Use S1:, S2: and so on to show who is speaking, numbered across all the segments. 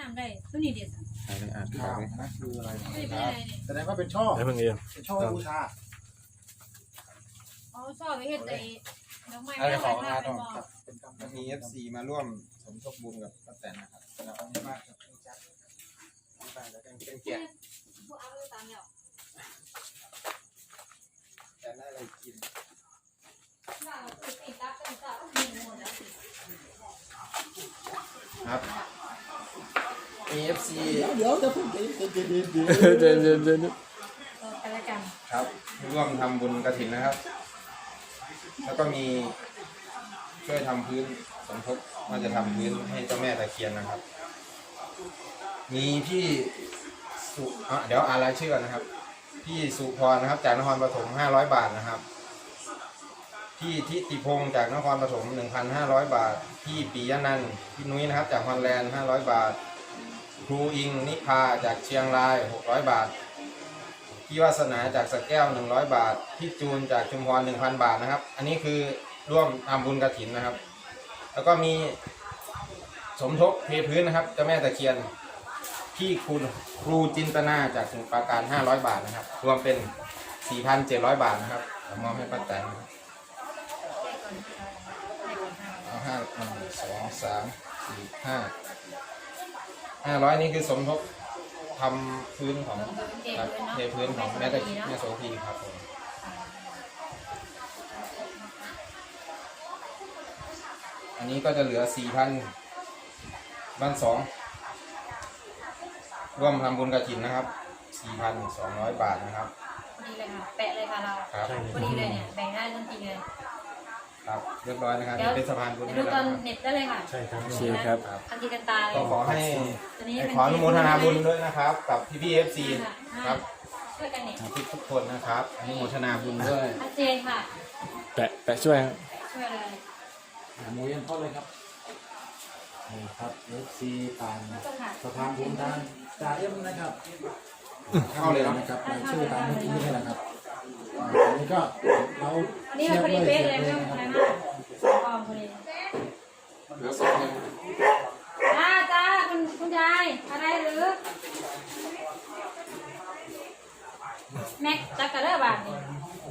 S1: านได้ตัวนี้เด็ด
S2: อ่านข่าวเลยนะคืออะไร
S1: ไม่เป็นอะไรเนี่ย
S2: แสดงว่าเป็นช่อ
S3: ได้เพิ่งเรียน
S2: เป็นช่อไว้บูชา
S1: เขาชอบไปเฮ็ดไอ้ดอกไม้
S4: อะไรของ
S1: หน้าไปมอง
S2: ครับเป็นกรรม
S4: มี FC มาร่วมสมทบบุญกับป้าแตนนะครับ
S2: แล้วเอาที่บ้านครับเป็นจัด
S4: ที่บ้านแล้วเป็นแกะ
S1: พวกเอาไปตามแล้ว
S4: แต่ได้อะไรกิน
S1: ว่าเราติดตับติดตับมีหมดแล้ว
S4: ครับ มี FC
S2: เดี๋ยวจะพูดเดี๋ยว
S3: เดินเดินเดิน
S1: กันละกัน
S4: ครับร่วมทำบุญกฐินนะครับ แล้วก็มีช่วยทำพื้นสมทบว่าจะทำพื้นให้เจ้าแม่ตะเคียนนะครับ มีพี่สุเดี๋ยวอ่านรายชื่อก่อนนะครับ พี่สุพรนะครับจากนครปฐม500 บาทนะครับพี่ทิติพงศ์จากนครปฐม 1,500 บาทพี่ปิยนันท์พี่นุ้ยนะครับจากฮอลแลนด์500 บาทครูอิงนิพาจากเชียงราย600 บาทพี่วาสนาจากสระแก้ว100 บาทพี่จูนจากชุมพร 1,000 บาทนะครับอันนี้คือร่วมทำบุญกฐินนะครับแล้วก็มีสมทบเทพื้นนะครับเจ้าแม่ตะเคียนพี่ครูจินตนาจากสมุทรปราการ500 บาทนะครับรวมเป็น 4,700 บาทนะครับมอบให้ป้าแตนเอา500นี่คือสมทบทำพื้นของเทพื้นของแม่โสภีครับผมอันนี้ก็จะเหลือ 4,000 บ้าน2ร่วมทำบุญกฐินนะครับ 4,200 บาทนะครับ
S1: พอดีเลยค่ะแปะเลยค่ะเรา
S4: ครับ
S1: พอดีเลยเนี่ยแบ่งได้ทันทีเลย
S4: ครับเรียบร้อยนะครับเป็นสะพานบุญ
S1: ดู
S4: ให้
S1: ต
S4: แล้
S1: อน
S4: ว
S1: เน็ตได้เลยค่ะ
S3: ใช่ครับโอเคครับ
S1: ทันทีกันตาเลย
S4: ก็ขอให้
S1: ตัวนี้
S4: ขออนุโมทนาบุญด้วยนะครับ กับพี่ๆ FC ครับ
S1: ช่วยกันเน็ต
S4: ทุกคนนะครับอนุโมทนาบุญด้วย
S1: ชัดเจนค่ะ
S3: แปะช่วยครับ
S1: ช่วยเลย
S2: หมูยันเข้าเลยครับนี่ครับ FC ผ่าน
S1: แล้วก็ค่ะ
S2: สะพานบุญทางจ่าเอ็มนะครับ
S4: เข้าเลยเนาะ
S2: นะครับในชื่อตามเมื่อกี้นี่แหละครับอันนี้ก็เรา
S1: อันนี้มันพอดีเป๊ะเลยไม่ต้อง
S2: นะ
S1: อะไร
S2: ครับ
S1: มากกองพอดี
S4: เหลือ2เลย
S1: จ้าคุณยายอะไรหรือแม็กจักกะเลอร์บาทนี่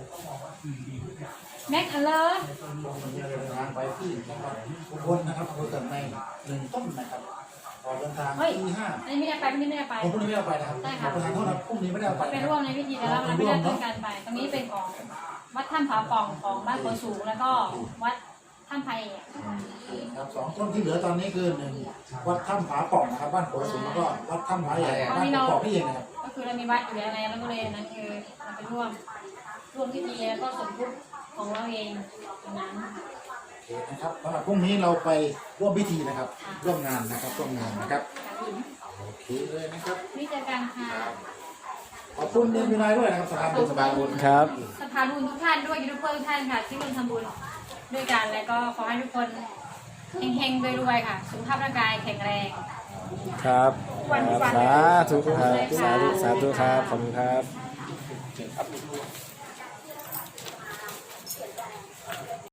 S1: แม็กอันเลอร์
S2: เดินทางไปที่จังหวัดอุบลนะครับอำเภอเกิดใน1 ต้นนะครับพอเดินทางที่5
S1: อันนี้ไม่ได้ไปไม่ได้ไป
S2: ผมพรุ่งนี้ไม่ได้เอาไปนะครับประธานโทษนะพรุ่งนี้ไม่ได้เอาไป
S1: ไปร่วมในพิธีแต่เราไม่ได้ร่วมกันไป ตรงนี้เป็นของวัดถ้ำผาป่องของบ้านโพสูงแล้วก็วัดถ้ำไผ่
S2: ครับ2 ต้นที่เหลือตอนนี้คือ1วัดถ้ำผาป่องนะครับบ้านโขสูงแล้วก็วัดถ้ำผาใหญ่บ้านกอกพี่เองนะครับ
S1: ก็คือเรามีวัดอยู่แล้วไงแล้วก็เลยนั่นคือเราไปร่วมพิธีแล้วก็สมทบของเราเองตรงนั้น
S2: โอเคนะครับสำหรับพรุ่งนี้เราไปร่วมพิธีนะครับร่วมงานนะครับร่วมงานนะครับโอเคเลยนะครับ
S1: นี่เจอกันค่ะ
S2: ขอบคุณเดือนมีนายด้วยนะครับสถานบุญ
S4: สะพานบุญ
S3: ครับ
S1: สภาบุญทุกท่านด้วยยูทูบเบอร์ทุกท่านค่ะที่ร่วมทำบุญด้วยกันแล้วก็ขอให้ทุกคนเฮงๆรวยๆค่ะสุขภาพร่างกายแข็งแรง
S3: ครับสาธุครับสาธุครับขอบคุณครับ